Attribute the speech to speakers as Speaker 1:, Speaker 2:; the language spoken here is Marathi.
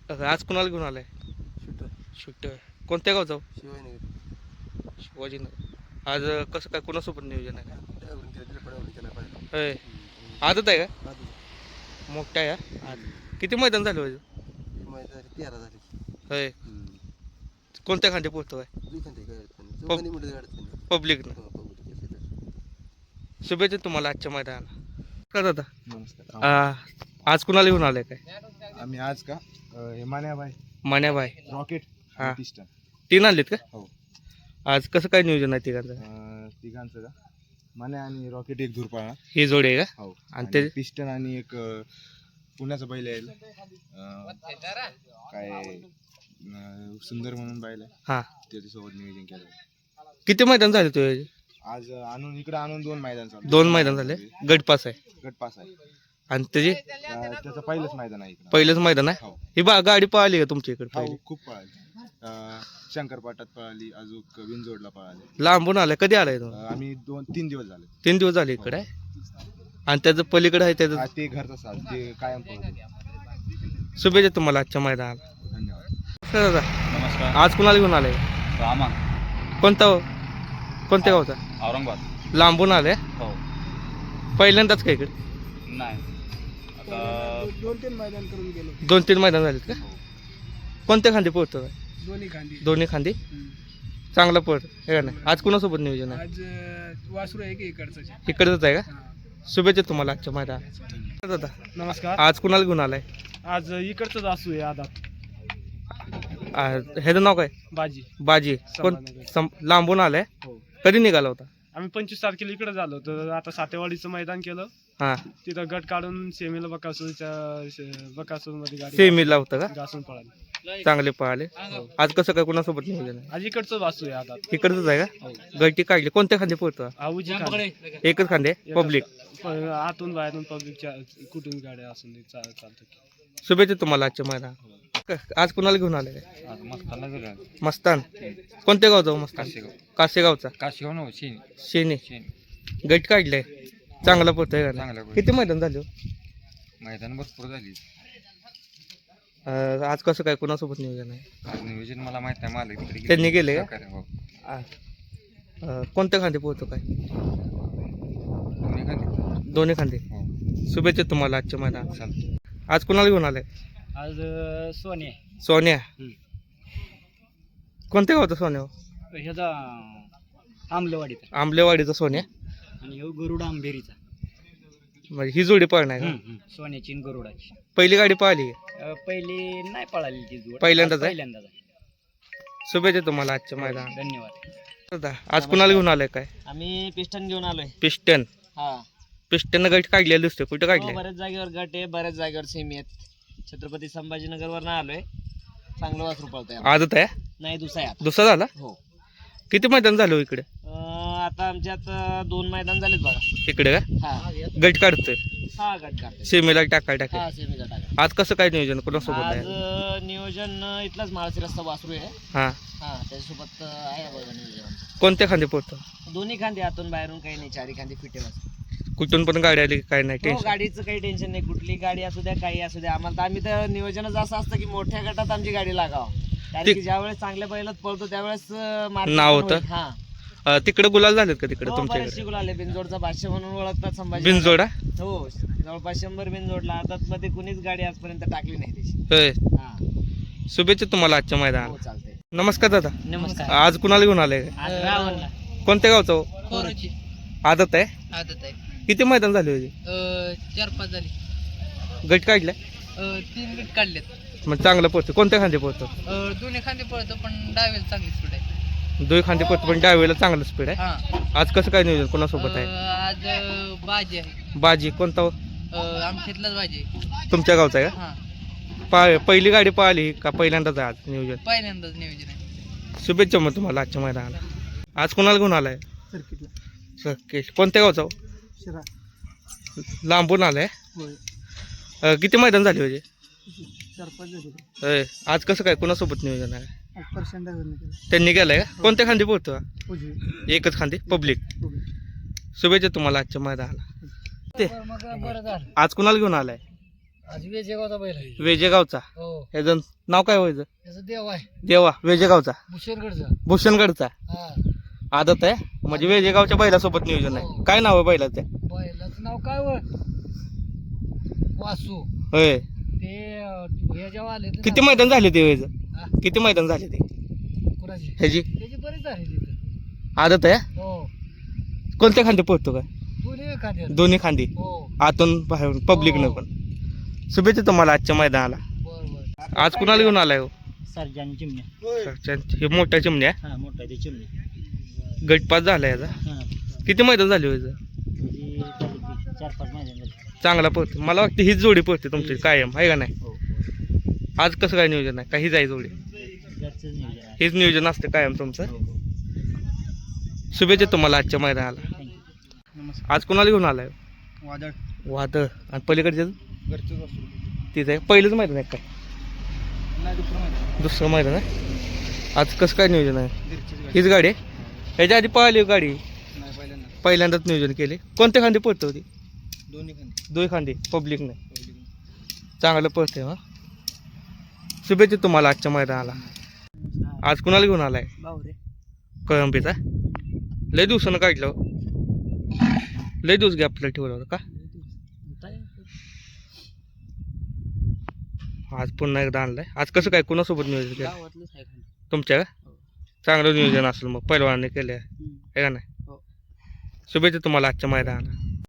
Speaker 1: आज कुणाला घेऊन आलाय?
Speaker 2: शूटर
Speaker 1: शूट कोणत्या गावचा?
Speaker 2: शिवाजीनगर.
Speaker 1: शिवाजीनगर. आज कसं काय कोणासोबत नियोजन आहे?
Speaker 2: त्यावरून केलं तिला पडावरून केला पाहिजे.
Speaker 1: होय. आदत आहे का?
Speaker 2: आधी
Speaker 1: मोठा आहे का? आज किती मैदान झालं होय?
Speaker 2: माहिती झाली 13 झाली.
Speaker 1: होय. कोणत्या खांदे पोहतो आहे?
Speaker 2: दुखान ते काय अडचण चौघांनी मिळून अडचण नाही.
Speaker 1: पब्लिकनं.
Speaker 2: पब्लिक केली तर.
Speaker 1: शुभेच्छा तुम्हाला आजच्या मैदानाला. का दादा
Speaker 3: नमस्कार.
Speaker 1: आज कुणाला घेऊन आलाय काय?
Speaker 3: आम्ही आज का मान्याबाई
Speaker 1: मान्याबाई.
Speaker 3: रॉकेट
Speaker 1: हा.
Speaker 3: पिस्टन
Speaker 1: तीन आणलेत का?
Speaker 3: हो.
Speaker 1: आज कसं काय नियोजन आहे तिघांचं?
Speaker 3: तिघांचं का मान्या आणि रॉकेट एक धूर पाळणार.
Speaker 1: ही जोडी आहे का?
Speaker 3: हो.
Speaker 1: आणि
Speaker 3: आणि
Speaker 1: ते
Speaker 3: पिस्टन आणि एक पुण्याचं बैल आहे काय सुंदर म्हणून बैल आहे
Speaker 1: हा.
Speaker 3: त्याच्यासोबत नियोजन केलं.
Speaker 1: किती मैदान झाले तुझे?
Speaker 3: आज आणून इकडे आणून 2 मैदान चालू.
Speaker 1: 2 मैदान झाले. गटपास आहे.
Speaker 3: गटपास आहे.
Speaker 1: आणि त्याची
Speaker 3: त्याचं पहिलंच मैदान आहे इकडं.
Speaker 1: पहिलंच मैदान आहे.
Speaker 3: हो.
Speaker 1: ही गाडी पळाली का तुमच्या इकडे
Speaker 3: हो
Speaker 1: पहिली?
Speaker 3: खूप पळाली. शंकरपाटात पळाली, अजून विंजोडला पळाली.
Speaker 1: लांबून आलाय. कधी आलाय तुम्ही?
Speaker 3: आम्ही 2-3 दिवस झाले.
Speaker 1: 3 दिवस झाले इकडे आहे. आणि त्याचं पलीकडे आहे त्याचं.
Speaker 3: ते घरचं साज ते कायम पळतो.
Speaker 1: शुभेच्छा तुम्हाला आजच्या मैदानाला.
Speaker 3: धन्यवाद.
Speaker 1: दादा
Speaker 4: नमस्कार.
Speaker 1: आज कुणाला घेऊन आलाय?
Speaker 4: रामा
Speaker 1: कोणता कोणत्या गावचा?
Speaker 4: औरंगाबाद.
Speaker 1: लांबून आलाय.
Speaker 4: हो.
Speaker 1: पहिल्यांदाच का इकडे?
Speaker 4: नाही आता
Speaker 2: 2-3 मैदान करून गेलो.
Speaker 1: 2-3 मैदान झालेत का? कोणत्या खांदी पोहतो?
Speaker 2: दोन्ही खांदी.
Speaker 1: दोन्ही खांदी चांगला पळतो हे का नाही? आज कुणासोबत नियोजन आहे?
Speaker 2: आज वासरू आहे की इकडचं.
Speaker 1: इकडचंच आहे का? शुभेच्छा तुम्हाला आजच्या मैदानाला. दादा
Speaker 2: नमस्कार.
Speaker 1: आज कुणाला घेऊन आलाय?
Speaker 2: आज इकडचंच असू आहे आदात
Speaker 1: ह्याचं नाव काय?
Speaker 2: बाजी.
Speaker 1: बाजी. कोण? लांबून आलाय.
Speaker 2: हो.
Speaker 1: कधी निघाला होता?
Speaker 2: आम्ही 25 तारखेला इकडे झालो तर आता सातेवाडीचं मैदान केलं.
Speaker 1: हा.
Speaker 2: तिथं गट काढून सेमीला बकासूर मध्ये गाडी
Speaker 1: सेमीला होतं का?
Speaker 2: घासून पळाली.
Speaker 1: चांगले पळाले. आज कसं काय कोणासोबत नियोजन आहे?
Speaker 2: आज इकडचंच वासू आहे आता.
Speaker 1: इकडचंच आहे का? गळती काढली. कोणत्या खांदे पोहतो?
Speaker 2: आऊजी खांदी.
Speaker 1: एकच खांदे पब्लिक.
Speaker 2: आतून बाहेरून पब्लिकच्या कुठून गाड्या असून चालतं.
Speaker 1: शुभेच्छा तुम्हाला आजच्या मैदानाला. आज कुणाला घेऊन आले? मस्तान. कोणत्या गावचा मस्तान? कासेगावचा.
Speaker 4: काशीगाव
Speaker 1: शेने. गट काढलाय. चांगला पडतोय का नाही? किती मैदान झाले?
Speaker 4: मैदान भरपूर झाली.
Speaker 1: आज कसं काय कोणासोबत नियोजन आहे?
Speaker 4: आज नियोजन मला माहित नाही. मालक तिकडे
Speaker 1: त्यांनी गेले का?
Speaker 4: हो.
Speaker 1: कोणत्या खांदे पोहतो काय?
Speaker 4: दोन्ही खाली.
Speaker 1: दोन्ही खांदे.
Speaker 4: हो.
Speaker 1: शुभेच्छा तुम्हाला आजच्या मैदानाला.
Speaker 4: चालतं.
Speaker 1: आज कुणाला घेऊन आलाय?
Speaker 2: आज सोने
Speaker 1: सोन्या. कोणत्या गावचा सोन्या?
Speaker 2: ह्याचा आंबलेवाडीचा
Speaker 1: आंबलेवाडीचा सोन्या.
Speaker 2: आणि ह्यो गरुडा आंबेरीचा.
Speaker 1: म्हणजे ही जोडी पळणार का?
Speaker 2: सोन्याची आणि गरुडाची.
Speaker 1: पहिली गाडी पळाली?
Speaker 2: पहिली नाही पळाली ती जोड.
Speaker 1: पहिल्यांदाच आहे?
Speaker 2: पहिल्यांदाच आहे.
Speaker 1: शुभेच्छा तुम्हाला आजच्या मैदानाला.
Speaker 2: धन्यवाद.
Speaker 1: आज कुणाला घेऊन आलाय काय?
Speaker 2: आम्ही पिस्टन घेऊन आलोय.
Speaker 1: पिस्टन.
Speaker 2: हा.
Speaker 1: पिस्टन गट काढलेलं दिसतोय. कुठं काढले?
Speaker 2: बऱ्याच जागेवर गट आहे, बऱ्याच जागेवर सेमी आहेत. छत्रपती संभाजीनगरवर आलोय. चांगलं वासरू पळतंय.
Speaker 1: आदत आहे?
Speaker 2: नाही दुसरा आहे आता.
Speaker 1: दुसरा झाला?
Speaker 2: हो.
Speaker 1: किती मैदान झालं हो इकडे?
Speaker 2: आता आमच्यात 2 मैदान झालेत बघा.
Speaker 1: इकडे का?
Speaker 2: हा.
Speaker 1: गट काढतोय.
Speaker 2: हा गट काढतोय.
Speaker 1: सेमीला टाकाय.
Speaker 2: हा सेमीचा टाका.
Speaker 1: आज कसं काय नियोजन कोणासोबत
Speaker 2: आज
Speaker 1: आहे?
Speaker 2: नियोजन इथलाच माळशी रस्ता वासरू आहे.
Speaker 1: हा.
Speaker 2: हा त्याच्यासोबत आहे बघा नियोजन.
Speaker 1: कोणत्या खांदे पोहतो?
Speaker 2: दोन्ही खांदे आतून बाहेरून काही नाही. चारी खांदे फिटे वासरू.
Speaker 1: कुठून पण गाडी आली काय नाही
Speaker 2: हो,
Speaker 1: टेन्शन?
Speaker 2: गाडीचं काही टेन्शन नाही. कुठली गाडी असू द्या काही असू द्या आम्हाला तर आम्ही तर नियोजनच असं असतं की मोठ्या गटात आमची गाडी लागावं. कारण की ज्यावेळेस चांगल्या बैलात पळतो त्यावेळेस
Speaker 1: नाव होतं.
Speaker 2: हा.
Speaker 1: तिकडे गुलाल झालेत का तिकडे
Speaker 2: हो,
Speaker 1: तुमच्या
Speaker 2: बरेचसे
Speaker 1: इकडे?
Speaker 2: गुलाल आहे. बिनजोडचा बादशाह म्हणून ओळखतात संभाजी.
Speaker 1: बिनजोडा?
Speaker 2: हो जवळपास 100 बिनजोडला. आतात मध्ये कुणीच गाडी आजपर्यंत टाकली नाही त्याची.
Speaker 1: होय.
Speaker 2: हा.
Speaker 1: शुभेच्छा तुम्हाला आजच्या
Speaker 2: हो
Speaker 1: मैदानाला.
Speaker 2: चालतंय.
Speaker 1: नमस्कार दादा.
Speaker 2: नमस्कार.
Speaker 1: आज कुणाला घेऊन आले?
Speaker 2: रावणला.
Speaker 1: कोणत्या गावचा हो?
Speaker 2: कोरोची.
Speaker 1: आदत आहे?
Speaker 2: आदत आहे.
Speaker 1: किती मैदान झाले होते?
Speaker 2: 4-5 झाली.
Speaker 1: गट काढलाय?
Speaker 2: 3 गट काढलेत.
Speaker 1: मग चांगलं पोहतो. कोणत्या खांदे पोहतो?
Speaker 2: दोन्ही खांदे पळतो पण डावेला चांगली स्पीड आहे.
Speaker 1: दोन खांदे पोहतो पण डावीला चांगलं स्पीड आहे.
Speaker 2: हा.
Speaker 1: आज कसं काय नियोजन कोणासोबत आहे?
Speaker 2: आज बाजी आहे.
Speaker 1: बाजी. कोणता हो?
Speaker 2: आमच्यातलाच बाजी आहे.
Speaker 1: तुमच्या गावचा आहे का?
Speaker 2: हा.
Speaker 1: पहिली गाडी पळाली का पहिल्यांदाच आहे आज नियोजन?
Speaker 2: पहिल्यांदाच नियोजन आहे.
Speaker 1: शुभेच्छा मग तुम्हाला आजच्या मैदानाला. आज कोणाला घेऊन आलाय? सर्किट. कोणत्या गावचा हो?
Speaker 2: शिरा.
Speaker 1: लांबून आलाय?
Speaker 2: होय.
Speaker 1: किती मैदान झाले होते?
Speaker 2: 4-5 झाली.
Speaker 1: होय. आज कसं काय कोणासोबत नियोजन आहे?
Speaker 2: पर्सेंट
Speaker 1: त्यांनी गेलाय का? कोणत्या खांदी पोहतो?
Speaker 2: उजवी.
Speaker 1: एकच खांदी पब्लिक. शुभेच्छा तुम्हाला आजच्या मैदानाला. ते
Speaker 2: बरं झालं.
Speaker 1: आज कुणाला घेऊन आलाय?
Speaker 5: आज वेजेगावचा बैल आहे.
Speaker 1: वेजेगावचा.
Speaker 5: हो
Speaker 1: ह्याचं नाव काय व्हायचं?
Speaker 5: त्याचं देव आहे
Speaker 1: देवा वेजेगावचा.
Speaker 5: भुशेरगडचा.
Speaker 1: भूषणगडचा.
Speaker 5: हा
Speaker 1: आदत आहे म्हणजे वेजेगावच्या बैलासोबत नियोजन आहे. काय नाव आहे बैलाचं?
Speaker 5: बैलाचं नाव काय व वासू.
Speaker 1: होय.
Speaker 5: ते हे जेव्हा आले ते
Speaker 1: किती
Speaker 5: ना-
Speaker 1: मैदान झाले ते व्हायचं?
Speaker 5: हा?
Speaker 1: किती मैदान झाले ते
Speaker 5: कुणाची
Speaker 1: ह्याची?
Speaker 5: त्याची बरीच आहे तिथं.
Speaker 1: आदत आहे.
Speaker 5: हो
Speaker 1: कोणत्या खांदे पोहतो काय?
Speaker 5: दोन्ही एखाद्या.
Speaker 1: दोन्ही खांदी.
Speaker 5: हो
Speaker 1: आतून बाहेरून पब्लिकनं पण. शुभेच्छा तुम्हाला आजच्या मैदानाला.
Speaker 5: बर बर.
Speaker 1: आज कुणाला घेऊन आलाय हो?
Speaker 2: सर्जानी चिमण्या.
Speaker 1: हे मोठ्या चिमण्या.
Speaker 2: हा मोठा ते चिमण्या.
Speaker 1: गटपास झाला याचा.
Speaker 2: हा
Speaker 1: किती मैदान झाले व्हायचं?
Speaker 2: 4-5 महिने झाले.
Speaker 1: चांगला पळते. मला वाटतं हीच जोडी पळते तुमची कायम आहे का नाही?
Speaker 2: हो
Speaker 1: आज कसं काय नियोजन आहे? का हीच आहे जोडी?
Speaker 2: घरचंच नियोजन आहे.
Speaker 1: हेच नियोजन असते कायम तुमचं.
Speaker 2: हो, हो.
Speaker 1: शुभेच्छा तुम्हाला आजच्या मैदानाला.
Speaker 2: नमस्कार.
Speaker 1: आज कुणाला घेऊन आलाय?
Speaker 3: वादळ
Speaker 1: वादळ. आणि पलीकडचे
Speaker 3: घरचंच असतो.
Speaker 1: तिथे आहे. पहिलंच मैदान आहे काय?
Speaker 3: नाही दुसरं माहिती.
Speaker 1: दुसरं मैदान आहे. आज कसं काय नियोजन आहे?
Speaker 3: घरचीच गाडी.
Speaker 1: हीच गाडी आहे? ह्याच्या आधी पळाली हो गाडी?
Speaker 3: नाही पहिल्यांदा
Speaker 1: पहिल्यांदाच नियोजन केले. कोणत्या खांदी पळते होती?
Speaker 3: दोन्ही खाली.
Speaker 1: दोन खांदी पब्लिकने. चांगलं पळते हा. शुभेच्छा तुम्हाला आजच्या मैदानाला. आज कुणाला घेऊन आलाय?
Speaker 2: बावरे.
Speaker 1: कळंबीचा. लय दिवसानं काढलं हो. लय दिवस गॅपला ठेवलं होतं का? आज पुन्हा एकदा आणलाय. आज कसं काय कुणासोबत नियोजन केलं?
Speaker 2: गावातलंच आहे खाली.
Speaker 1: तुमच्या का? चांगलं नियोजन असेल मग पहिलवानाने केलं आहे का नाही?
Speaker 2: हो.
Speaker 1: शुभेच्छा तुम्हाला आजच्या मैदानाला.